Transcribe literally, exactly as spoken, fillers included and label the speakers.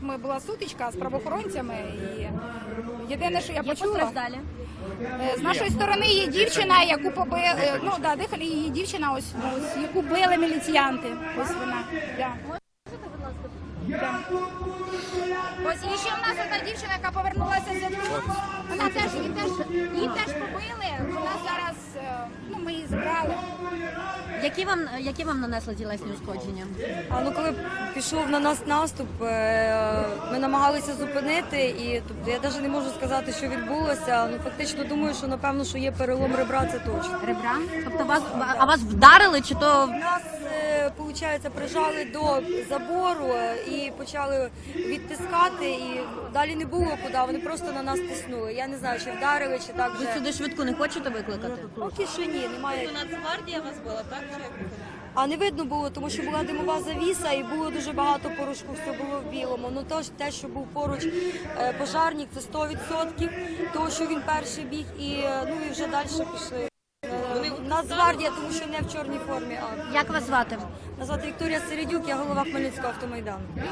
Speaker 1: ми була сутичка з правоохоронцями. І єдине, що я
Speaker 2: Є
Speaker 1: почула,
Speaker 2: постраждалі?
Speaker 1: е, з нашої сторони є дівчина, яку побили, ну да, дихали її дівчина, ось, ось яку били міліціянти. Ось вона. Да. Да. Ось і ще в нас одна дівчина, яка повернулася з Ядвигу. Вона теж, її теж, її теж побили. Вона зараз, е, ну ми її забрали.
Speaker 2: Які вам, які вам нанесли тілесні ушкодження?
Speaker 3: А ну коли пішов на нас наступ, е, ми намагалися зупинити, і тобто я навіть не можу сказати, що відбулося. Ну фактично думаю, що напевно, що є перелом ребра, це точно.
Speaker 2: Ребра? Тобто вас, а вас вдарили чи то?
Speaker 3: Нас, виходить, прижали до забору е, і почали відтискати, і далі не було куди, вони просто на нас тиснули. Я не знаю, чи вдарили, чи так
Speaker 2: Ви
Speaker 3: вже.
Speaker 2: сюди швидку не хочете викликати?
Speaker 3: Поки що ні, немає.
Speaker 4: Нацгвардія вас була, так? Чи як?
Speaker 3: А не видно було, тому що була димова завіса і було дуже багато порошку, все було в білому. Ну то ж те, що був поруч е, пожарник, це сто відсотків, того, що він перший біг, і е, ну і вже далі пішли. Е, Нацгвардія, тому що не в чорній формі, а
Speaker 2: Як вас звати?
Speaker 3: назвати Вікторія Середюк, я голова Хмельницького автомайдану.